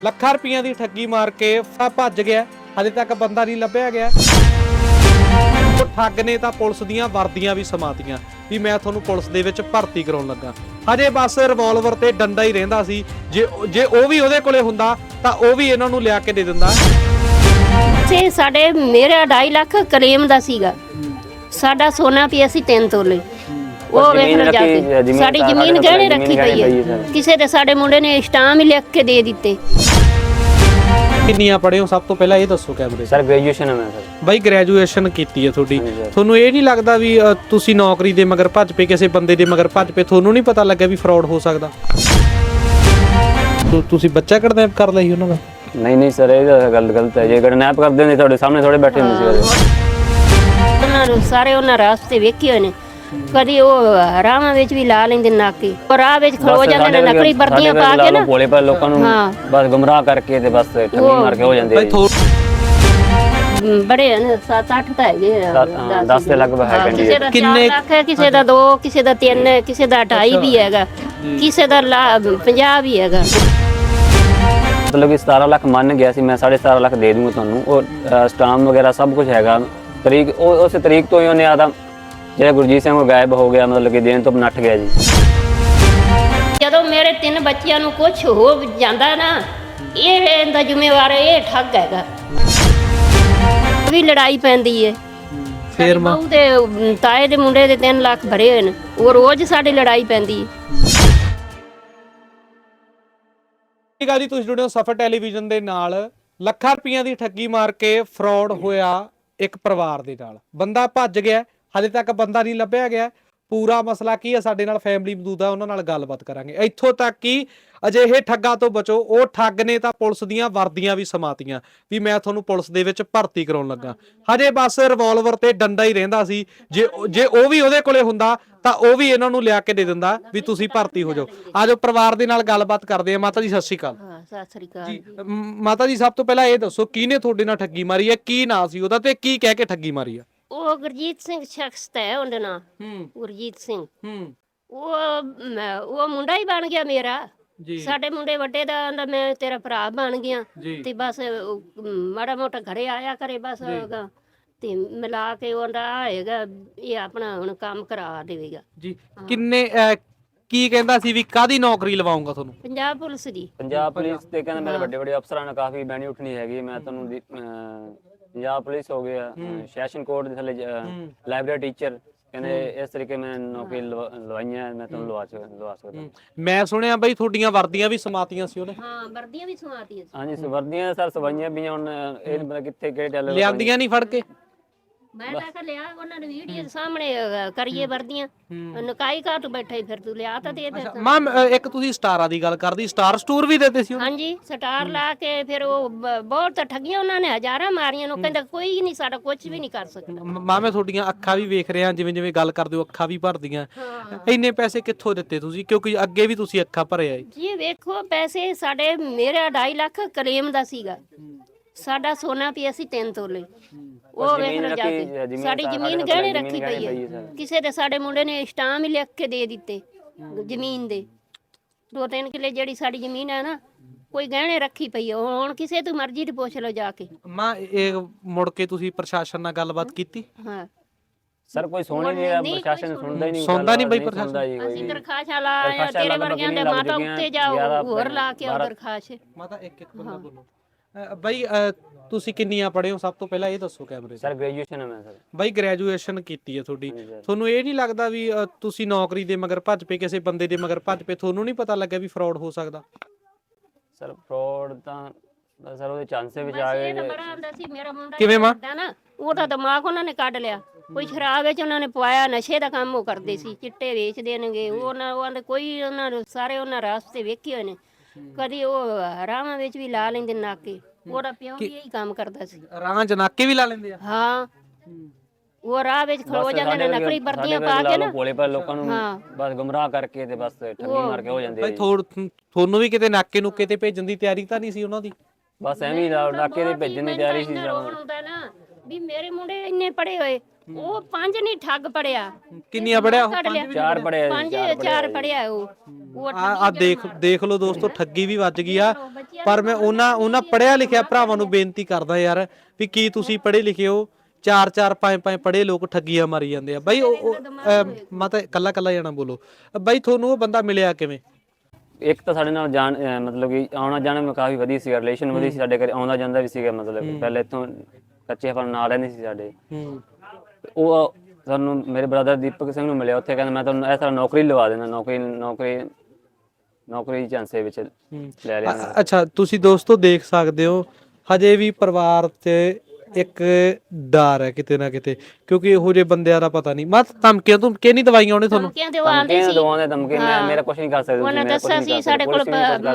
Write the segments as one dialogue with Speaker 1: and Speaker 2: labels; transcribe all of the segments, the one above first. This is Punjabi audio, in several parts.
Speaker 1: ਲੱਖਾਂ ਰੁਪਈਆਂ ਦੀ ਠੱਗੀ ਮਾਰ ਕੇ ਭੱਜ ਗਿਆ। ਹਜੇ ਤੱਕ ਬੰਦਾ ਨਹੀਂ ਲੱਭਿਆ ਗਿਆ। ਉਹ ਠੱਗ ਨੇ ਤਾਂ ਪੁਲਿਸ ਦੀਆਂ ਵਰਦੀਆਂ ਵੀ ਸਮਾਤੀਆਂ ਵੀ ਮੈਂ ਤੁਹਾਨੂੰ ਪੁਲਿਸ ਦੇ ਵਿੱਚ ਭਰਤੀ ਕਰਾਉਣ ਲੱਗਾ। ਹਜੇ ਬਸ ਰਿਵਾਲਵਰ ਤੇ ਡੰਡਾ ਹੀ ਰਹਿੰਦਾ ਸੀ। ਜੇ ਉਹ ਵੀ ਉਹਦੇ ਕੋਲੇ ਹੁੰਦਾ ਤਾਂ ਉਹ ਵੀ ਇਹਨਾਂ ਨੂੰ ਲਿਆ ਕੇ ਦੇ ਦਿੰਦਾ।
Speaker 2: ਤੇ ਸਾਡੇ ਮੇਰਾ 2.5 ਲੱਖ ਕਲੇਮ ਦਾ ਸੀਗਾ। ਸਾਡਾ ਸੋਨਾ ਪਿਆ ਸੀ 3 ਤੋਲੇ। ਉਹ ਵੇਖ ਲਓ ਜਾ ਕੇ ਸਾਡੀ ਜ਼ਮੀਨ ਗਹਿਣੇ ਰੱਖੀ ਪਈ ਹੈ। ਕਿਸੇ ਦੇ ਸਾਡੇ ਮੁੰਡੇ ਨੇ ਸਟਾਮ ਹੀ ਲਿਖ ਕੇ ਦੇ ਦਿੱਤੇ।
Speaker 1: ਕਿੰਨੀਆਂ ਪੜ੍ਹੇ ਹੋ ਸਭ ਤੋਂ ਪਹਿਲਾਂ ਇਹ ਦੱਸੋ ਕੈਮਰੇ
Speaker 3: ਸਰ ਗ੍ਰੈਜੂਏਸ਼ਨ ਹੈ ਮੈਂ ਸਰ।
Speaker 1: ਬਾਈ ਗ੍ਰੈਜੂਏਸ਼ਨ ਕੀਤੀ ਹੈ ਤੁਹਾਡੀ। ਤੁਹਾਨੂੰ ਇਹ ਨਹੀਂ ਲੱਗਦਾ ਵੀ ਤੁਸੀਂ ਨੌਕਰੀ ਦੇ ਮਗਰ ਭੱਜ ਪਏ, ਕਿਸੇ ਬੰਦੇ ਦੇ ਮਗਰ ਭੱਜ ਪਏ, ਤੁਹਾਨੂੰ ਨਹੀਂ ਪਤਾ ਲੱਗਿਆ ਵੀ ਫਰਾਡ ਹੋ ਸਕਦਾ? ਤੁਸੀਂ ਬੱਚਾ ਕਿਡਨੈਪ ਕਰ ਲਿਆ ਸੀ ਉਹਨਾਂ ਦਾ?
Speaker 3: ਨਹੀਂ ਸਰ ਇਹ ਤਾਂ ਗੱਲ ਗਲਤ ਹੈ। ਜੇ ਕਿਡਨੈਪ ਕਰਦੇ ਨੇ ਤੁਹਾਡੇ ਸਾਹਮਣੇ ਥੋੜੇ ਬੈਠੇ ਹੁੰਦੇ ਸੀ।
Speaker 2: ਉਹਨਾਂ ਨੂੰ ਸਾਰੇ ਉਹਨਾਂ ਰਾਸਤੇ ਵੇਖੇ ਹੋਏ ਨੇ। ਕਦੀ ਉਹ ਰਾਹਾਂ ਵਿੱਚ ਵੀ ਲਾ ਲੈਂਦੇ ਨਾਕੇ, ਔਰ ਰਾਹ ਵਿੱਚ ਖਲੋ ਜਾਂਦੇ ਨੇ ਨਕਲੀ ਵਰਦੀਆਂ ਪਾ ਕੇ ਨਾ
Speaker 3: ਭੋਲੇ ਭਾਲੇ ਲੋਕਾਂ ਨੂੰ ਬਸ ਗੁੰਮਰਾਹ ਕਰਕੇ ਤੇ ਬਸ ਠੱਗੀ ਮਾਰ ਕੇ ਹੋ ਜਾਂਦੇ ਨੇ। ਬੜੇ
Speaker 2: ਨੇ 7-8 ਤਾਂ ਹੈਗੇ
Speaker 3: 10 ਦੇ ਲਗਭਗ ਹੈ।
Speaker 2: ਕਿਸੇ ਦਾ 4 ਲੱਖ ਹੈ, ਕਿਸੇ ਦਾ 2, ਕਿਸੇ ਦਾ 3 ਹੈ, ਕਿਸੇ ਦਾ 2.5 ਵੀ ਹੈਗਾ, ਕਿਸੇ ਦਾ 50 ਵੀ ਹੈਗਾ।
Speaker 3: ਮਤਲਬ ਕਿ 17 ਲੱਖ ਮੰਨ ਗਿਆ ਸੀ ਮੈਂ, 17.5 ਲੱਖ ਦੇ ਦੂੰਗਾ ਤੁਹਾਨੂੰ। ਉਹ ਸਟਾਮ ਵਗੈਰਾ ਸਭ ਕੁਝ ਹੈਗਾ। ਤਰੀਕ ਉਸ ਤਰੀਕ ਤੋਂ ਹੀ ਉਹਨੇ ਆਦਾ ਜਿਹੜਾ ਗੁਰਜੀਤ ਸਿੰਘ ਉਹ ਗਾਇਬ ਹੋ ਗਿਆ, ਮਤਲਬ ਕਿ ਦੇਣ ਤੋਂ ਨੱਠ ਗਿਆ ਜੀ।
Speaker 2: ਜਦੋਂ ਮੇਰੇ 3 ਬੱਚਿਆਂ ਨੂੰ ਕੁਝ ਹੋ ਜਾਂਦਾ ਨਾ, ਇਹ ਇਹਦਾ ਜ਼ਿੰਮੇਵਾਰ ਇਹ ਠੱਗ ਹੈਗਾ। ਵੀ ਲੜਾਈ ਪੈਂਦੀ ਹੈ
Speaker 1: ਫੇਰ ਮਾਂ
Speaker 2: ਦੇ ਤਾਏ ਦੇ ਮੁੰਡੇ ਦੇ 3 ਲੱਖ ਭਰੇ ਹੋਏ ਨੇ, ਉਹ ਰੋਜ਼ ਸਾਡੀ ਲੜਾਈ ਪੈਂਦੀ ਹੈ।
Speaker 1: ਠੀਕ ਆ ਜੀ, ਤੁਸੀਂ ਜੁੜੇ ਹੋ ਸਫਰ ਟੈਲੀਵਿਜ਼ਨ ਦੇ ਨਾਲ। ਲੱਖਾਂ ਰੁਪਈਆਂ ਦੀ ਠੱਗੀ ਮਾਰ ਕੇ ਫਰਾਡ ਹੋਇਆ ਇੱਕ ਪਰਿਵਾਰ ਦੇ ਨਾਲ। ਬੰਦਾ ਭੱਜ ਗਿਆ, ਹਜੇ ਤੱਕ ਬੰਦਾ ਨਹੀਂ ਲੱਭਿਆ ਗਿਆ। ਪੂਰਾ ਮਸਲਾ ਕੀ ਹੈ, ਸਾਡੇ ਨਾਲ ਫੈਮਿਲੀ ਮੌਜੂਦ ਹੈ, ਉਹਨਾਂ ਨਾਲ ਗੱਲਬਾਤ ਕਰਾਂਗੇ। ਇੱਥੋਂ ਤੱਕ ਕਿ ਅਜਿਹੇ ਠੱਗਾਂ ਤੋਂ ਬਚੋ। ਉਹ ਠੱਗ ਨੇ ਤਾਂ ਪੁਲਿਸ ਦੀਆਂ ਵਰਦੀਆਂ ਵੀ ਸਮਾਤੀਆਂ ਵੀ ਮੈਂ ਤੁਹਾਨੂੰ ਪੁਲਿਸ ਦੇ ਵਿੱਚ ਭਰਤੀ ਕਰਾਉਣ ਲੱਗਾ। ਹਜੇ ਬਸ ਰਿਵਾਲਵਰ ਤੇ ਡੰਡਾ ਹੀ ਰਹਿੰਦਾ ਸੀ। ਜੇ ਉਹ ਵੀ ਉਹਦੇ ਕੋਲੇ ਹੁੰਦਾ ਤਾਂ ਉਹ ਵੀ ਇਹਨਾਂ ਨੂੰ ਲਿਆ ਕੇ ਦੇ ਦਿੰਦਾ ਵੀ ਤੁਸੀਂ ਭਰਤੀ ਹੋ ਜਾਓ। ਆਜੋ ਪਰਿਵਾਰ ਦੇ ਨਾਲ ਗੱਲਬਾਤ ਕਰਦੇ ਆ। ਮਾਤਾ ਜੀ ਸਤਿ ਸ਼੍ਰੀ ਅਕਾਲ।
Speaker 2: ਸਤਿ ਸ਼੍ਰੀ ਅਕਾਲ
Speaker 1: ਜੀ। ਮਾਤਾ ਜੀ ਸਭ ਤੋਂ ਪਹਿਲਾਂ ਇਹ ਦੱਸੋ ਕਿਹਨੇ ਤੁਹਾਡੇ ਨਾਲ ਠੱਗੀ ਮਾਰੀ ਹੈ, ਕੀ ਨਾਂ ਸੀ ਉਹਦਾ ਤੇ ਕੀ ਕਹਿ ਕੇ ਠੱਗੀ ਮਾਰੀ ਆ?
Speaker 2: ਉਹ ਗੁਰਜੀਤ ਸਿੰਘ ਸ਼ਖਸ ਹੈ ਉਹਦਾ ਨਾਂ। ਗੁਰਜੀਤ ਸਿੰਘ। ਉਹ ਮੁੰਡਾ ਹੀ ਬਣ ਗਿਆ ਮੇਰਾ। ਸਾਡੇ ਮੁੰਡੇ ਵੱਡੇ ਦਾ ਮੈਂ ਤੇਰਾ ਭਰਾ ਬਣ ਗਿਆ ਤੇ ਬਸ ਮਾੜਾ ਮੋਟਾ ਘਰੇ ਆਇਆ ਕਰੇ ਬਸ ਤੇ ਮਿਲਾ ਕੇ ਉਹਦਾ ਆਏਗਾ ਇਹ ਆਪਣਾ ਹੁਣ ਕੰਮ ਕਰਾ ਦੇਵੇਗਾ ਜੀ।
Speaker 1: ਕਿੰਨੇ ਕੀ ਕਹਿੰਦਾ ਸੀ ਵੀ ਕਾਦੀ ਨੌਕਰੀ ਲਵਾਉਂਗਾ ਤੁਹਾਨੂੰ?
Speaker 2: ਪੰਜਾਬ ਪੁਲਿਸ ਦੀ।
Speaker 3: ਪੰਜਾਬ ਪੁਲਿਸ ਤੇ ਕਹਿੰਦਾ ਮੇਰੇ ਵੱਡੇ ਵੱਡੇ ਅਫਸਰਾਂ ਨਾਲ ਕਾਫੀ ਬੈਣੀ ਉੱਠਣੀ ਹੈਗੀ। ਮੈਂ ਤੁਹਾਨੂੰ ਪੰਜਾਬ ਪੁਲਿਸ ਹੋ ਗਿਆ, ਸੈਸ਼ਨ ਕੋਰਟ ਦੇ ਥੱਲੇ ਲਾਇਬ੍ਰੇਰੀ ਟੀਚਰ, ਕਹਿੰਦੇ ਇਸ ਤਰੀਕੇ ਮੈਂ ਨੌਕਰੀ ਲਵਾਈਆਂ, ਮੈਂ ਤੁਹਾਨੂੰ ਲਵਾ ਸਕਦਾ।
Speaker 1: ਮੈਂ ਸੁਣਿਆ ਬਈ ਤੁਹਾਡੀਆਂ ਵਰਦੀਆਂ ਵੀ ਸਮਾਤੀਆਂ ਸੀ ਉਹਨੇ।
Speaker 2: ਹਾਂ ਵਰਦੀਆਂ ਵੀ ਸਮਾਤੀਆਂ ਸੀ।
Speaker 3: ਹਾਂਜੀ ਵਰਦੀਆਂ ਸਰ ਸਵਾਈਆਂ ਵੀ ਹੁਣ ਇਹ ਮਤਲਬ ਕਿੱਥੇ ਕਿਹੜੇ ਟੈਲਰ
Speaker 1: ਲਿਆਂਦੀਆਂ ਨਹੀਂ ਫੜ ਕੇ?
Speaker 2: ਮੈਂ ਤਾਂ ਲਿਆ ਉਹਨਾਂ ਨੇ ਵੀਡੀਓ ਸਾਹਮਣੇ ਕਰੀਏ ਵਰਦੀਆਂ ਨਕਾਈ ਘਾਟ ਬੈਠੇ ਫਿਰ ਤੂੰ ਲਿਆ ਤਾਂ ਦੇ ਦੇ।
Speaker 1: ਮਾਂ ਇੱਕ ਤੁਸੀਂ ਸਟਾਰਾਂ ਦੀ ਗੱਲ ਕਰਦੀ, ਸਟਾਰ ਸਟੋਰ ਵੀ ਦਿੱਤੇ ਸੀ?
Speaker 2: ਹਾਂਜੀ ਸਟਾਰ ਲਾ ਕੇ ਫਿਰ ਉਹ ਬਹੁਤ ਠੱਗੀਆਂ ਉਹਨਾਂ ਨੇ, ਹਜ਼ਾਰਾਂ ਮਾਰੀਆਂ ਨੂੰ। ਕਹਿੰਦਾ ਕੋਈ ਨਹੀਂ ਸਾਡਾ ਕੁਝ ਵੀ ਨਹੀਂ ਕਰ ਸਕਦਾ।
Speaker 1: ਮਾਂ ਮੈਂ ਤੁਹਾਡੀਆਂ ਅੱਖਾਂ ਵੀ ਵੇਖ ਰਿਹਾ, ਜਿਵੇਂ ਜਿਵੇਂ ਗੱਲ ਕਰਦੇ ਹੋ ਅੱਖਾਂ ਵੀ ਭਰਦੀਆਂ। ਇੰਨੇ ਪੈਸੇ ਕਿੱਥੋਂ ਦਿੱਤੇ ਤੁਸੀਂ, ਕਿਉਂਕਿ ਅੱਗੇ ਵੀ ਤੁਸੀਂ ਅੱਖਾਂ ਭਰੇ ਆਏ
Speaker 2: ਜੀ? ਵੇਖੋ ਪੈਸੇ ਸਾਡੇ ਮੇਰਾ 2.5 ਲੱਖ ਕਲੇਮ ਦਾ ਸੀਗਾ। ਸਾਡਾ ਸੋਨਾ ਪਿਆ ਸੀ 3 ਤੋਲੇ। ਉਹ ਵੇਖ ਲਓ ਜਾ ਕੇ ਸਾਡੀ ਜ਼ਮੀਨ ਗਹਿਣੇ ਰੱਖੀ ਪਈ ਹੈ। ਕਿਸੇ ਦੇ ਸਾਡੇ ਮੁੰਡੇ ਨੇ ਸਟਾਮ ਹੀ ਲਿਖ ਕੇ ਦੇ ਦਿੱਤੇ ਜ਼ਮੀਨ ਦੇ। 2-3 ਕਿੱਲੇ ਜਿਹੜੀ ਸਾਡੀ ਜ਼ਮੀਨ ਹੈ ਨਾ, ਕੋਈ ਗਹਿਣੇ ਰੱਖੀ ਪਈ ਹੈ। ਹੁਣ ਕਿਸੇ ਤੋਂ ਮਰਜ਼ੀ ਤੇ ਪੁੱਛ ਲਓ ਜਾ ਕੇ। ਮਾਂ
Speaker 1: ਇਹ ਮੁੜ ਕੇ ਤੁਸੀਂ ਪ੍ਰਸ਼ਾਸਨ ਨਾਲ ਗੱਲਬਾਤ ਕੀਤੀ?
Speaker 2: ਹਾਂ
Speaker 3: ਸਰ ਕੋਈ ਸੁਣ ਨਹੀਂ, ਪ੍ਰਸ਼ਾਸਨ ਸੁਣਦਾ ਹੀ ਨਹੀਂ।
Speaker 1: ਸੁਣਦਾ ਨਹੀਂ ਬਈ ਪ੍ਰਸ਼ਾਸਨ?
Speaker 2: ਅਸੀਂ ਦਰਖਾਸਤਾਂ ਲਾਇਆ ਤੇਰੇ ਵਰਗਿਆਂ ਦੇ ਮਾਤਾ ਉੱਤੇ ਜਾਓ ਹੋਰ ਲਾ ਕੇ ਆਓ ਦਰਖਾਸਤ।
Speaker 1: ਮਾਤਾ ਇੱਕ ਬੰਦਾ ਬੋਲੋ। ਬਾਈ ਤੁਸੀਂ ਕਿੰਨੀਆਂ ਪੜ੍ਹੇ ਹੋ ਸਭ ਤੋਂ ਪਹਿਲਾਂ ਇਹ ਦੱਸੋ ਕੈਮਰੇ?
Speaker 3: ਸਰ ਗ੍ਰੈਜੂਏਸ਼ਨ ਹੈ ਮੈਂ ਸਰ।
Speaker 1: ਬਾਈ ਗ੍ਰੈਜੂਏਸ਼ਨ ਕੀਤੀ ਹੈ ਤੁਹਾਡੀ। ਤੁਹਾਨੂੰ ਇਹ ਨਹੀਂ ਲੱਗਦਾ ਵੀ ਤੁਸੀਂ ਨੌਕਰੀ ਦੇ ਮਗਰ ਭੱਜ ਪਏ, ਕਿਸੇ ਬੰਦੇ ਦੇ ਮਗਰ ਭੱਜ ਪਏ, ਤੁਹਾਨੂੰ ਨਹੀਂ ਪਤਾ ਲੱਗਿਆ ਵੀ ਫਰਾਡ ਹੋ ਸਕਦਾ?
Speaker 3: ਸਰ ਫਰਾਡ ਤਾਂ ਸਰ ਉਹਦੇ ਚਾਂਸੇ ਵਿੱਚ ਆ ਗਏ।
Speaker 2: ਮੇਰਾ ਮੁੰਡਾ
Speaker 1: ਕਿਵੇਂ ਮਾਂ?
Speaker 2: ਨਾ ਉਹਦਾ ਦਿਮਾਗ ਉਹਨਾਂ ਨੇ ਕੱਢ ਲਿਆ। ਕੋਈ ਸ਼ਰਾਬ ਵਿੱਚ ਉਹਨਾਂ ਨੇ ਪਵਾਇਆ, ਨਸ਼ੇ ਦਾ ਕੰਮ ਉਹ ਕਰਦੇ ਸੀ, ਚਿੱਟੇ ਵੇਚ ਦੇਣਗੇ। ਉਹਨਾਂ ਦੇ ਕੋਈ ਉਹਨਾਂ ਨੂੰ ਸਾਰੇ ਉਹਨਾਂ ਰਾਸਤੇ ਵੇਖੇ ਹੋਏ ਨੇ। ਕਦੀ ਉਹ ਰਾਹਾਂ ਵਿੱਚ ਵੀ ਲਾ ਲੈਂਦੇ ਨਾਕੇ। ਉਹਦਾ ਪਿਓ ਵੀ ਇਹੀ ਕੰਮ ਕਰਦਾ ਸੀ।
Speaker 1: ਰਾਹਾਂ ਚ ਨਾਕੇ ਵੀ ਲਾ ਲੈਂਦੇ ਆ?
Speaker 2: ਹਾਂ ਉਹ ਰਾਹ ਵਿੱਚ ਖਲੋ ਜਾਂਦੇ ਨੇ ਨਕਲੀ ਵਰਦੀਆਂ ਪਾ ਕੇ ਨਾ
Speaker 3: ਭੋਲੇ ਭਾਲੇ ਲੋਕਾਂ ਨੂੰ ਬਸ ਗੁੰਮਰਾਹ ਕਰਕੇ ਤੇ ਬਸ ਠੱਗੀ ਮਾਰ ਕੇ ਹੋ ਜਾਂਦੇ।
Speaker 1: ਭਾਈ ਤੁਹਾਨੂੰ ਵੀ ਕਿਤੇ ਨਾਕੇ ਨੁਕੇ ਤੇ ਭੇਜਣ ਦੀ ਤਿਆਰੀ ਤਾਂ ਨਹੀਂ ਸੀ ਉਹਨਾਂ ਦੀ?
Speaker 3: ਬਸ ਐਵੇਂ ਹੀ ਨਾਕੇ ਦੇ ਭੇਜਣ ਦੀ ਤਿਆਰੀ ਸੀ।
Speaker 2: ਵੀ ਮੇਰੇ ਮੁੰਡੇ ਇੰਨੇ ਪੜੇ ਹੋਏ ਉਹ 5 ਨਹੀਂ ਠੱਗ ਪੜਿਆ,
Speaker 1: ਕਿੰਨੀਆਂ ਪੜਿਆ ਉਹ?
Speaker 2: ਕੱਢ ਲਿਆ
Speaker 3: 4 ਪੜਿਆ
Speaker 2: 4 ਪੜਿਆ ਉਹ
Speaker 1: ਆ ਦੇਖ ਲਓ ਦੋਸਤੋ, ਠੱਗੀ ਵੀ ਵੱਜ ਗਈ ਆ। ਪਰ ਮੈਂ ਉਹਨਾਂ ਪੜਿਆ ਲਿਖਿਆ ਭਰਾਵਾਂ ਨੂੰ ਬੇਨਤੀ ਕਰਦਾ ਯਾਰ ਵੀ ਕੀ ਤੁਸੀਂ ਪੜ੍ਹੇ ਲਿਖੇ ਹੋ, 4 5 ਪੜ੍ਹੇ ਲੋਕ ਠੱਗੀਆਂ ਮਾਰੀ ਜਾਂਦੇ ਆ ਬਾਈ। ਮੈਂ ਤਾਂ ਕੱਲਾ ਜਾਣਾ ਬੋਲੋ ਬਾਈ, ਤੁਹਾਨੂੰ ਉਹ ਬੰਦਾ ਮਿਲਿਆ ਕਿਵੇਂ?
Speaker 3: ਇੱਕ ਤਾਂ ਸਾਡੇ ਨਾਲ ਜਾਣ ਮਤਲਬ ਕਿ ਆਉਣਾ ਜਾਣਾ ਮੈਂ ਕਾਫੀ ਵਧੀਆ ਸੀ, ਰਿਲੇਸ਼ਨ ਵਧੀਆ ਸੀ ਸਾਡੇ ਘਰੇ, ਆਉਂਦਾ ਜਾਂਦਾ ਵੀ ਸੀਗਾ। ਮਤਲਬ ਪਹਿਲੇ ਇੱਥੋਂ ਕੱਚੇ ਫਲ ਨਾਲ ਰਹਿੰਦੇ ਸੀ ਸਾਡੇ। ਉਹ ਸਾਨੂੰ ਮੇਰੇ ਬ੍ਰਦਰ ਦੀਪਕ ਸਿੰਘ ਨੂੰ ਮਿਲਿਆ ਉੱਥੇ, ਕਹਿੰਦਾ ਮੈਂ ਤੁਹਾਨੂੰ ਇਸ ਤਰ੍ਹਾਂ ਨੌਕਰੀ ਲਵਾ ਦੇਣਾ, ਨੌਕਰੀ ਚਾਂਸੇ ਵਿੱਚ ਲੈ ਲਿਆ।
Speaker 1: ਅੱਛਾ, ਤੁਸੀਂ ਦੋਸਤੋ ਦੇਖ ਸਕਦੇ ਹੋ ਹਜੇ ਵੀ ਪਰਿਵਾਰ 'ਚ ਇੱਕ ਡਰ ਹੈ ਕਿਤੇ ਨਾ ਕਿਤੇ, ਕਿਉਂਕਿ ਇਹੋ ਜਿਹੇ ਬੰਦਿਆਂ ਦਾ ਪਤਾ ਨਹੀਂ। ਮਤ ਧਮਕੀਆਂ ਧਮਕੀਆਂ ਨਹੀਂ ਦਵਾਈਆਂ ਉਹਨੇ ਤੁਹਾਨੂੰ?
Speaker 2: ਧਮਕੀਆਂ ਦਵਾਉਂਦੇ ਸੀ,
Speaker 3: ਧਮਕੀ ਮੇਰਾ ਕੁਝ ਨਹੀਂ ਕਰ ਸਕਦੇ
Speaker 2: ਉਹਨਾਂ ਦੱਸਿਆ ਸੀ ਸਾਡੇ ਕੋਲ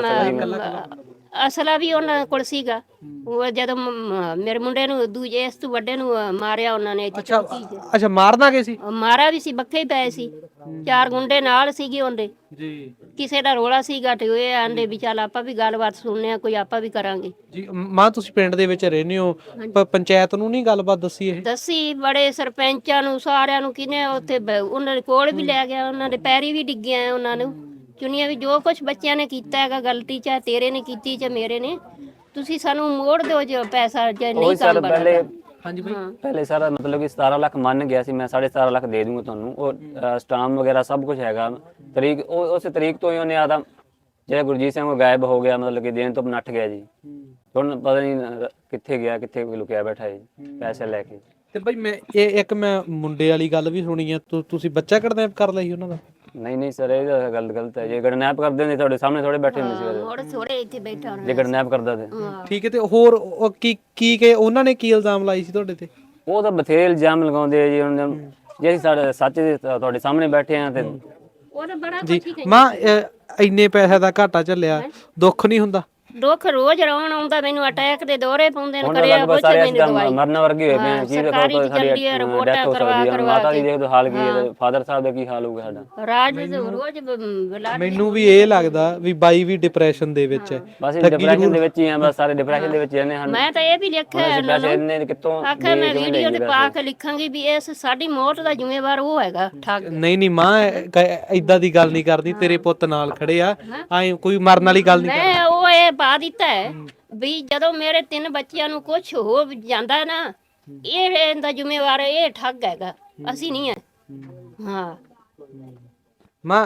Speaker 2: ਅਸਲਾ ਵੀ ਉਹਨਾਂ ਕੋਲ ਸੀਗਾ। ਉਹ ਜਦੋਂ ਮੇਰੇ ਮੁੰਡੇ ਨੂੰ ਦੂਜੇ ਇਸ ਤੋਂ ਵੱਡੇ ਨੂੰ ਮਾਰਿਆ ਉਹਨਾਂ ਨੇ ਇੱਥੇ ਚੌਕੀ 'ਚ।
Speaker 1: ਅੱਛਾ, ਮਾਰਨਾ ਕੀ ਸੀ?
Speaker 2: ਮਾਰਾ ਵੀ ਸੀ, ਬੱਕੇ ਹੀ ਪਏ ਸੀ, 4 ਗੁੰਡੇ ਨਾਲ ਸੀਗੇ ਉਹਦੇ
Speaker 1: ਜੀ।
Speaker 2: ਕਿਸੇ ਦਾ ਰੋਲਾ ਸੀਗਾ ਤੇ ਉਹ ਆਂਦੇ ਵੀ ਚੱਲ ਆਪਾਂ ਵੀ ਗੱਲਬਾਤ ਸੁਣਨੇ ਆ, ਕੋਈ ਆਪਾਂ ਵੀ ਕਰਾਂਗੇ
Speaker 1: ਜੀ। ਮਾਂ ਤੁਸੀਂ ਪਿੰਡ ਦੇ ਵਿੱਚ ਰਹਿੰਦੇ ਹੋ, ਪੰਚਾਇਤ ਨੂੰ ਨਹੀਂ ਗੱਲਬਾਤ ਦੱਸੀ? ਇਹ
Speaker 2: ਦੱਸੀ ਬੜੇ ਸਰਪੰਚਾਂ ਨੂੰ, ਸਾਰਿਆਂ ਨੂੰ, ਕਿਨੇ ਉੱਥੇ ਉਹਨਾਂ ਦੇ ਕੋਲ ਵੀ ਲੈ ਗਿਆ, ਉਹਨਾਂ ਦੇ ਪੈਰੀ ਵੀ ਡਿੱਗਿਆ, ਉਹਨਾਂ ਨੂੰ ਚੁਣੀਆਂ ਵੀ। ਜੋ ਕੁਝ ਬੱਚਿਆਂ ਨੇ ਕੀਤਾ ਹੈਗਾ ਗਲਤੀ, ਚਾਹੇ ਤੇਰੇ ਨੇ ਕੀਤੀ ਚਾਹੇ ਮੇਰੇ ਨੇ, ਤੁਸੀਂ ਸਾਨੂੰ ਮੋੜ ਦਿਓ ਜੋ ਪੈਸਾ, ਜੇ ਨਹੀਂ ਕੰਮ ਬਣਦਾ।
Speaker 1: ਹਾਂਜੀ ਬਾਈ।
Speaker 3: ਪਹਿਲੇ ਸਾਰਾ ਮਤਲਬ ਕਿ 17 ਲੱਖ ਮੰਨ ਗਿਆ ਸੀ ਮੈਂ, 17.5 ਲੱਖ ਦੇ ਦੂੰਗਾ ਤੁਹਾਨੂੰ। ਉਹ ਸਟਾਮ ਵਗੈਰਾ ਸਭ ਕੁਝ ਹੈਗਾ, ਤਰੀਕ ਉਸ ਤਰੀਕ ਤੋਂ ਹੀ ਉਹਨੇ ਆਦਾ ਜਿਹੜਾ ਗੁਰਜੀਤ ਸਿੰਘ ਉਹ ਗਾਇਬ ਹੋ ਗਿਆ, ਮਤਲਬ ਕਿ ਦੇਣ ਤੋਂ ਨੱਠ ਗਿਆ ਜੀ। ਹੁਣ ਪਤਾ ਨਹੀਂ ਕਿੱਥੇ ਗਿਆ, ਕਿੱਥੇ ਲੁਕਿਆ ਬੈਠਾ ਹੈ ਪੈਸੇ ਲੈ ਕੇ।
Speaker 1: ਤੇ ਬਾਈ ਮੈਂ ਇੱਕ ਮੈਂ ਮੁੰਡੇ ਵਾਲੀ ਗੱਲ ਵੀ ਸੁਣੀ ਆ, ਤੁਸੀਂ ਬੱਚਾ ਕਿਡਨੈਪ ਕਰ ਲਿਆ ਸੀ ਉਹਨਾਂ ਦਾ?
Speaker 3: ਨਹੀਂ ਸਰ, ਇਹ ਗੱਲ ਗਲਤ ਹੈ। ਜੇ ਕਿਡਨੈਪ ਕਰਦੇ ਨੇ ਤੁਹਾਡੇ ਸਾਹਮਣੇ ਥੋੜੇ ਬੈਠੇ ਹੁੰਦੇ ਸੀ,
Speaker 2: ਹੋਰ ਥੋੜੇ ਇੱਥੇ ਬੈਠਾ ਹੋਣਾ
Speaker 3: ਜੇ ਕਿਡਨੈਪ ਕਰਦਾ ਤੇ
Speaker 1: ਠੀਕ ਹੈ। ਤੇ ਹੋਰ ਉਹ ਕੀ ਕਿ ਉਹਨਾਂ ਨੇ ਕੀ ਇਲਜ਼ਾਮ ਲਾਈ ਸੀ ਤੁਹਾਡੇ ਤੇ?
Speaker 3: ਉਹ ਤਾਂ ਬਥੇਰੇ ਇਲਜ਼ਾਮ ਲਗਾਉਂਦੇ ਆ ਜੀ। ਉਹਨਾਂ ਜੇ ਅਸੀਂ ਸਾਡੇ ਸੱਚ ਦੇ ਤੁਹਾਡੇ ਸਾਹਮਣੇ ਬੈਠੇ ਆ ਤੇ
Speaker 2: ਉਹ ਤਾਂ ਬੜਾ
Speaker 1: ਜੀ। ਮਾਂ ਇੰਨੇ ਪੈਸੇ ਦਾ ਘਾਟਾ ਚੱਲਿਆ, ਦੁੱਖ ਨਹੀਂ ਹੁੰਦਾ?
Speaker 2: ਦੁੱਖ ਰੋਜ਼ ਰੌਣ ਆਉਂਦਾ ਮੈਨੂੰ, ਅਟੈਕ ਦੇ ਦੌਰੇ ਪਾਉਂਦੇ ਨੇ, ਕਰਿਆ
Speaker 3: ਲਗਭਗ
Speaker 2: ਕੁਝ
Speaker 3: ਸਾਰੇ
Speaker 2: ਮੈਨੂੰ ਦਵਾਈ
Speaker 3: ਮਰਨ ਵਰਗੇ ਹੋਏ ਪਏ ਆ। ਕੀ ਦੇਖੋ
Speaker 2: ਸਾਡੀ ਰਿਪੋਰਟਾਂ ਕਰਵਾ
Speaker 3: ਮਾਤਾ ਦੀ ਦੇਖ ਦੋ ਹਾਲ ਕੀ ਹੈ, ਫਾਦਰ ਸਾਹਿਬ ਦਾ ਕੀ ਹਾਲ ਹੋਊਗਾ ਸਾਡਾ।
Speaker 2: ਰਾਜ ਰੋਜ਼ ਬੁਲਾ।
Speaker 1: ਮੈਨੂੰ ਵੀ ਇਹ ਲੱਗਦਾ ਵੀ ਬਾਈ ਵੀ ਡਿਪਰੈਸ਼ਨ ਦੇ ਵਿੱਚ ਹੈ।
Speaker 3: ਬਸ ਡਿਪਰੈਸ਼ਨ ਦੇ ਵਿੱਚ ਹੀ ਆ, ਬਸ ਸਾਰੇ ਡਿਪਰੈਸ਼ਨ ਦੇ ਵਿੱਚ ਹੀ ਨੇ।
Speaker 2: ਮੈਂ ਤਾਂ ਇਹ ਵੀ ਲਿਖਿਆ
Speaker 3: ਇਹਨੇ ਕਿੱਥੋਂ
Speaker 2: ਆਖਿਆ, ਮੈਂ ਵੀਡੀਓ ਤੇ ਪਾ ਕੇ ਲਿਖਾਂਗੀ ਵੀ ਇਸ ਸਾਡੀ ਮੌਤ ਦਾ ਜ਼ਿੰਮੇਵਾਰ ਉਹ ਹੈਗਾ ਠੱਗ।
Speaker 1: ਨਹੀਂ ਮਾਂ, ਏਦਾਂ ਦੀ ਗੱਲ ਨਹੀਂ ਕਰਦੀ, ਤੇਰੇ ਪੁੱਤ ਨਾਲ ਖੜੇ ਆ, ਐ ਕੋਈ ਮਰਨ ਵਾਲੀ ਗੱਲ ਨਹੀਂ।
Speaker 2: ਮੈਂ ਉਹ ਇਹ ਪਾ ਦਿੱਤਾ ਹੈ ਵੀ ਜਦੋਂ ਮੇਰੇ 3 ਬੱਚਿਆਂ ਨੂੰ ਕੁਝ ਹੋ ਜਾਂਦਾ ਨਾ, ਇਹ ਇਹਦਾ ਜ਼ਿੰਮੇਵਾਰ ਇਹ ਠੱਗ ਹੈਗਾ, ਅਸੀਂ ਨਹੀਂ ਹੈ। ਹਾਂ
Speaker 1: ਮਾਂ,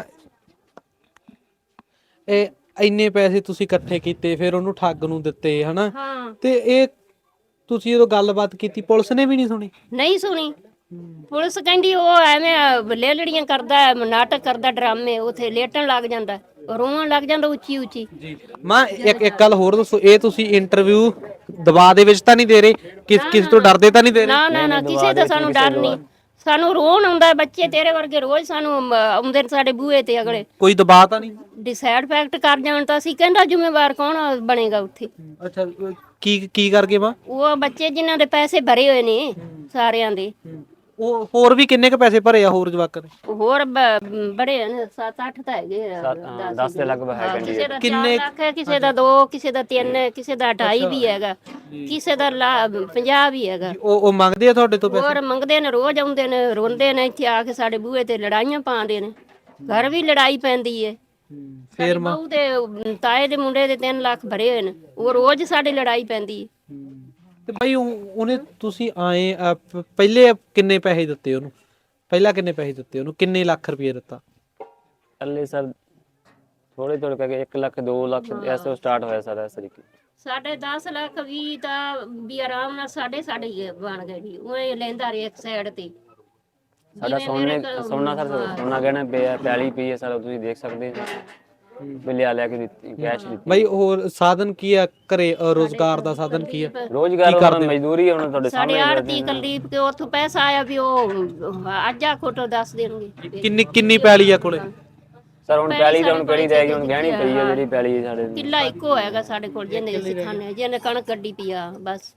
Speaker 1: ਇਹ ਇੰਨੇ ਪੈਸੇ ਤੁਸੀਂ ਇਕੱਠੇ ਕੀਤੇ, ਫਿਰ ਉਹਨੂੰ ਠੱਗ ਨੂੰ ਦਿੱਤੇ ਹਨਾ,
Speaker 2: ਹਾਂ
Speaker 1: ਤੇ ਇਹ ਤੁਸੀਂ ਜਦੋਂ ਗੱਲਬਾਤ ਕੀਤੀ ਪੁਲਿਸ ਨੇ ਵੀ ਨਹੀਂ ਸੁਣੀ?
Speaker 2: ਨਹੀਂ ਸੁਣੀ। ਪੁਲਿਸ ਕਹਿੰਦੀ ਉਹ ਐਵੇਂ ਲੇਲੜੀਆਂ ਕਰਦਾ, ਨਾਟਕ ਕਰਦਾ, ਡਰਾਮੇ, ਉਥੇ ਲੇਟਣ ਲੱਗ ਜਾਂਦਾ, ਰੋਣ ਲੱਗ ਜਾਂਦਾ ਉੱਚੀ ਉੱਚੀ।
Speaker 1: ਜੀ ਮਾਂ, ਇੱਕ ਗੱਲ ਹੋਰ ਦੱਸੋ, ਇਹ ਤੁਸੀਂ ਇੰਟਰਵਿਊ ਦਬਾਅ ਦੇ ਵਿੱਚ ਤਾਂ ਨਹੀਂ ਦੇ ਰਹੇ? ਕਿਸੇ ਤੋਂ ਡਰਦੇ ਤਾਂ ਨਹੀਂ ਦੇ ਰਹੇ?
Speaker 2: ਨਾ ਕਿਸੇ ਦਾ ਸਾਨੂੰ ਡਰ ਨਹੀਂ, ਸਾਨੂੰ ਰੋਣ ਆਉਂਦਾ। ਬੱਚੇ ਤੇਰੇ ਵਰਗੇ ਰੋਜ਼ ਸਾਨੂੰ ਆਉਂਦੇ ਨੇ ਸਾਡੇ ਬੂਹੇ ਤੇ, ਅਗਲੇ
Speaker 1: ਕੋਈ ਦਬਾਅ ਤਾਂ ਨਹੀਂ?
Speaker 2: ਡਿਸਾਈਡ ਫੈਕਟ ਕਰ ਜਾਣ ਤਾਂ ਅਸੀਂ ਕਹਿੰਦਾ ਜ਼ਿੰਮੇਵਾਰ ਕੌਣ ਬਣੇਗਾ ਉੱਥੇ?
Speaker 1: ਅੱਛਾ, ਕੀ ਕਰਕੇ ਮਾਂ? ਉਹ
Speaker 2: ਬੱਚੇ ਜਿਨ੍ਹਾਂ ਦੇ ਪੈਸੇ ਭਰੇ ਹੋਏ ਨੇ ਸਾਰਿਆਂ ਦੇ।
Speaker 1: ਉਹ ਹੋਰ ਵੀ ਕਿੰਨੇ ਕ ਪੈਸੇ ਭਰੇ ਆ ਹੋਰ ਜਵਾਕਾਂ ਨੇ?
Speaker 2: ਹੋਰ ਬੜੇ ਨੇ, 7-8 ਤਾਂ ਹੈਗੇ,
Speaker 3: 10 ਦੇ ਲਗਭਗ ਹੈ।
Speaker 2: ਕਿਸੇ ਦਾ 4 ਲੱਖ ਹੈ, ਕਿਸੇ ਦਾ 2, ਕਿਸੇ ਦਾ 3, ਕਿਸੇ ਦਾ 2.5 ਵੀ ਹੈਗਾ, ਕਿਸੇ ਦਾ 50 ਵੀ ਹੈਗਾ।
Speaker 1: ਉਹ ਮੰਗਦੇ ਆ ਤੁਹਾਡੇ ਤੋਂ ਪੈਸੇ?
Speaker 2: ਹੋਰ ਮੰਗਦੇ ਨੇ, ਰੋਜ਼ ਆਉਂਦੇ ਨੇ, ਰੋਂਦੇ ਨੇ, ਇੱਥੇ ਆ ਕੇ ਸਾਡੇ ਬੂਹੇ ਤੇ ਲੜਾਈਆਂ ਪਾਉਂਦੇ ਨੇ, ਘਰ ਵੀ ਲੜਾਈ ਪੈਂਦੀ ਏ। ਫੇਰ ਬਹੂ ਦੇ ਤਾਏ ਦੇ ਮੁੰਡੇ ਦੇ 3 ਲੱਖ ਭਰੇ ਹੋਏ ਨੇ, ਉਹ ਰੋਜ਼ ਸਾਡੇ ਲੜਾਈ ਪੈਂਦੀ ਏ।
Speaker 1: ਤੇ ਭਾਈ ਉਹਨੇ ਤੁਸੀਂ ਆਏ ਪਹਿਲੇ ਕਿੰਨੇ ਪੈਸੇ ਦਿੱਤੇ ਉਹਨੂੰ? ਪਹਿਲਾਂ ਕਿੰਨੇ ਪੈਸੇ ਦਿੱਤੇ ਉਹਨੂੰ? ਕਿੰਨੇ ਲੱਖ ਰੁਪਏ ਦਿੱਤਾ?
Speaker 3: ਪਹਿਲੇ ਸਰ ਥੋੜੇ ਕਰਕੇ 1 ਲੱਖ 2 ਲੱਖ ਐਸੋ ਸਟਾਰਟ ਹੋਇਆ ਸਰ ਇਸ ਤਰੀਕੇ।
Speaker 2: ਸਾਡੇ 10 ਲੱਖ ਵੀ ਤਾਂ ਵੀ ਆਰਾਮ ਨਾਲ ਸਾਡੇ ਹੀ ਬਣ ਗਏ ਜੀ। ਉਹ ਲੈਂਦਾ ਰਿਹਾ ਇੱਕ ਸਾਈਡ ਤੇ।
Speaker 3: ਸਾਡਾ ਸੋਨਾ ਗਹਿਣਾ ਪਿਆ, ਪੈਲੀ ਪਈ ਹੈ ਸਰ, ਤੁਸੀਂ ਦੇਖ ਸਕਦੇ ਹੋ। ਲਿਆ ਕੇ ਦਿੱਤੀ, ਕੈਸ਼ ਦਿੱਤੀ।
Speaker 1: ਬਈ ਹੋਰ ਸਾਧਨ ਕੀ ਆ ਘਰੇ? ਰੋਜ਼ਗਾਰ ਦਾ ਸਾਧਨ ਕੀ ਆ?
Speaker 3: ਰੋਜ਼ਗਾਰ ਮਜ਼ਦੂਰੀ ਹੁਣ ਤੁਹਾਡੇ ਸਾਹਮਣੇ।
Speaker 2: ਸਾਡੇ ਆੜਤੀ ਕੁਲਦੀਪ ਕੇ ਉੱਥੋਂ ਪੈਸਾ ਆਇਆ ਵੀ ਉਹ ਅੱਜ ਆ ਖੋਟੋ ਦੱਸ ਦੇਣਗੇ।
Speaker 1: ਕਿੰਨੀ ਪੈਲੀ ਆ ਕੋਲੇ?
Speaker 3: ਸਰ ਹੁਣ ਪੈਲੀ ਤਾਂ ਹੁਣ ਕਿਹੜੀ ਰਹਿ ਗਈ, ਹੁਣ ਗਹਿਣੀ ਪਈ ਹੈ ਜਿਹੜੀ ਪੈਲੀ ਹੈ ਸਾਡੇ।
Speaker 2: ਕਿੱਲਾ ਇੱਕੋ ਹੈਗਾ ਸਾਡੇ ਕੋਲ, ਜਿਹਨੇ ਅਸੀਂ ਖਾਣੇ, ਜਿਹਨੇ ਕਣਕ ਕੱਢੀ ਪਈ ਆ ਬਸ।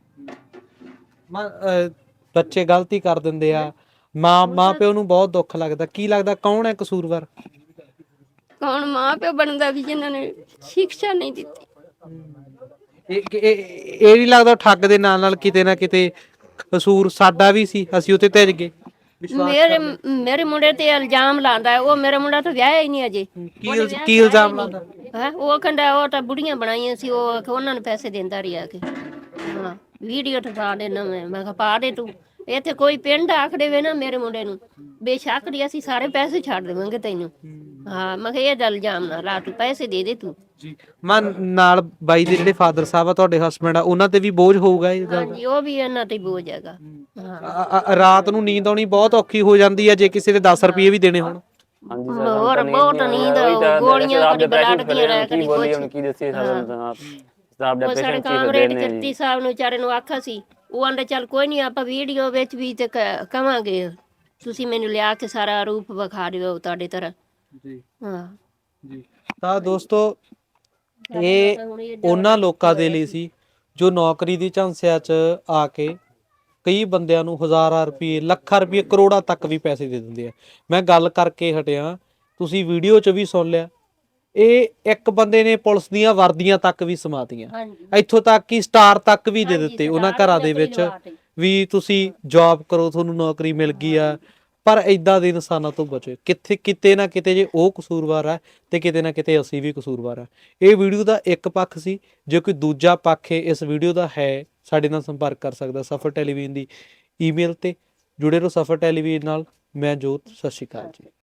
Speaker 1: ਬੱਚੇ ਗਲਤੀ ਕਰ ਦਿੰਦੇ ਆ, ਮਾਂ ਪਿਓ ਨੂੰ ਬਹੁਤ ਦੁੱਖ ਲੱਗਦਾ। ਕੀ ਲੱਗਦਾ ਕੌਣ ਹੈ ਕਸੂਰਵਾਰ?
Speaker 2: ਕੌਣ ਮਾਂ ਪਿਓ ਬਣਦਾ ਵੀ ਜਿਨ੍ਹਾਂ ਨੇ ਸਿੱਖਿਆ ਨਹੀਂ ਦਿੱਤੀ।
Speaker 1: ਇਹ ਨਹੀਂ ਲੱਗਦਾ ਠੱਗ ਦੇ ਨਾਲ ਕਿਤੇ ਨਾ ਕਿਤੇ ਕਸੂਰ ਸਾਡਾ ਵੀ ਸੀ, ਅਸੀਂ ਉੱਤੇ ਤੇਜ ਗਏ।
Speaker 2: ਮੇਰੇ ਮੁੰਡੇ ਤੇ ਇਲਜ਼ਾਮ ਲਾਉਂਦਾ ਹੈ। ਉਹ ਮੇਰਾ ਮੁੰਡਾ ਤਾਂ ਵਿਆਹਿਆ ਹੀ ਨਹੀਂ ਅਜੇ।
Speaker 1: ਕੀ ਇਲਜ਼ਾਮ ਲਾਉਂਦਾ?
Speaker 2: ਹੈ ਉਹ ਕਹਿੰਦਾ ਉਹ ਤਾਂ ਬੁੜੀਆਂ ਬਣਾਈਆਂ ਸੀ, ਉਹ ਉਹਨਾਂ ਨੂੰ ਪੈਸੇ ਦਿੰਦਾ ਰਿਹਾ ਕੇ। ਹਾਂ ਵੀਡੀਓ ਠਾ ਦੇ ਨਾ, ਮੈਂ ਕਿਹਾ ਪਾ ਦੇ ਤੂੰ। ਇੱਥੇ ਕੋਈ ਪਿੰਡ ਆਖ ਦੇਵੇ ਨਾ ਮੇਰੇ ਮੁੰਡੇ ਨੂੰ, ਬੇਸ਼ੱਕ ਦੀ ਅਸੀਂ ਸਾਰੇ ਪੈਸੇ ਛੱਡ ਦੇਵਾਂਗੇ ਤੈਨੂੰ। ਹਾਂ ਮੈਂ ਕਿਹਾ ਇਹ ਗੱਲ ਇਲਜ਼ਾਮ ਨਾ ਲਾ, ਤੂੰ ਪੈਸੇ ਦੇ ਦੇ ਤੂੰ।
Speaker 1: ਜੀ ਮੈਂ ਨਾਲ ਬਾਈ ਦੇ ਜਿਹੜੇ ਫਾਦਰ ਸਾਹਿਬ ਆ ਤੁਹਾਡੇ ਹਸਬੰਡ ਆ, ਉਹਨਾਂ ਤੇ ਵੀ ਬੋਝ ਹੋਊਗਾ ਇਹ ਗੱਲ?
Speaker 2: ਹਾਂਜੀ ਉਹ ਵੀ ਇਹਨਾਂ ਤੇ ਬੋਝ ਹੈਗਾ। ਹਾਂ
Speaker 1: ਰਾਤ ਨੂੰ ਨੀਂਦ ਆਉਣੀ ਬਹੁਤ ਔਖੀ ਹੋ ਜਾਂਦੀ ਹੈ ਜੇ ਕਿਸੇ ਦੇ 10 ਰੁਪਏ ਵੀ ਦੇਣੇ ਹੋਣ।
Speaker 3: ਹਾਂਜੀ
Speaker 2: ਹੋਰ ਬਹੁਤ ਨੀਂਦ, ਗੋਲੀਆਂ ਕਦੀ ਬਲੱਡ ਦੀਆਂ ਰਹਿ ਕਦੀ ਕੁਛ।
Speaker 3: ਹੁਣ ਕੀ ਦੱਸੀਏ ਸਾਹਿਬ ਦਾ
Speaker 2: ਉਹ ਸਾਡੇ ਕਾਮਰੇਡ ਕਿਰਤੀ ਸਾਹਿਬ ਨੂੰ ਵਿਚਾਰੇ ਨੂੰ ਆਖਿਆ ਸੀ, ਉਹ ਆਂਦੇ ਚੱਲ ਕੋਈ ਨਹੀਂ ਆਪਾਂ ਵੀਡੀਓ ਵਿੱਚ ਵੀ ਤੇ ਕਵਾਂਗੇ, ਤੁਸੀਂ ਮੈਨੂੰ ਲਿਆ ਕੇ ਸਾਰਾ ਰੂਪ ਵਿਖਾ ਦਿਓ ਤੁਹਾਡੇ ਤਰ੍ਹਾਂ।
Speaker 1: ਜੀ
Speaker 2: ਹਾਂ
Speaker 1: ਜੀ ਤਾਂ ਦੋਸਤੋ ਇਹ ਉਹਨਾਂ ਲੋਕਾਂ ਦੇ ਲਈ ਸੀ ਜੋ ਨੌਕਰੀ ਦੀ ਝਾਂਸਿਆਂ 'ਚ ਆ ਕੇ ਕਈ ਬੰਦਿਆਂ ਨੂੰ ਹਜ਼ਾਰਾਂ ਰੁਪਏ, ਲੱਖਾਂ ਰੁਪਏ, ਕਰੋੜਾਂ ਤੱਕ ਵੀ ਪੈਸੇ ਦੇ ਦਿੰਦੇ ਆ। ਮੈਂ ਗੱਲ ਕਰਕੇ ਹਟਿਆ, ਤੁਸੀਂ ਵੀਡੀਓ 'ਚ ਵੀ ਸੁਣ ਲਿਆ। ਇਹ ਇੱਕ ਬੰਦੇ ਨੇ ਪੁਲਿਸ ਦੀਆਂ ਵਰਦੀਆਂ ਤੱਕ ਵੀ ਸਮਾਤੀਆਂ, ਇੱਥੋਂ ਤੱਕ ਕਿ ਸਟਾਰ ਤੱਕ ਵੀ ਦੇ ਦਿੱਤੇ ਉਹਨਾਂ ਘਰਾਂ ਦੇ ਵਿੱਚ ਵੀ ਤੁਸੀਂ ਜੌਬ ਕਰੋ, ਤੁਹਾਨੂੰ ਨੌਕਰੀ ਮਿਲ ਗਈ ਆ। ਪਰ ਇਦਾਂ ਦੇ ਇਨਸਾਨਾਂ ਤੋਂ ਬਚੋ। ਕਿਤੇ ਨਾ ਕਿਤੇ ਜੇ ਉਹ ਕਸੂਰਵਾਰ ਆ ਤੇ ਕਿਤੇ ਨਾ ਕਿਤੇ ਅਸੀਂ ਵੀ ਕਸੂਰਵਾਰ ਆ। ਇਹ ਵੀਡੀਓ ਦਾ ਇੱਕ ਪੱਖ ਸੀ। ਜੇ ਕੋਈ ਦੂਜਾ ਪੱਖ ਇਸ ਵੀਡੀਓ ਦਾ ਹੈ, ਸਾਡੇ ਨਾਲ ਸੰਪਰਕ ਕਰ ਸਕਦਾ ਸਫਰ ਟੈਲੀਵਿਜ਼ਨ ਦੀ ਈਮੇਲ ਤੇ। ਜੁੜੇ ਰਹੋ ਸਫਰ ਟੈਲੀਵਿਜ਼ਨ ਨਾਲ। ਮੈਂ ਜੋਤ, ਸਤਿ ਸ਼੍ਰੀ ਅਕਾਲ ਜੀ।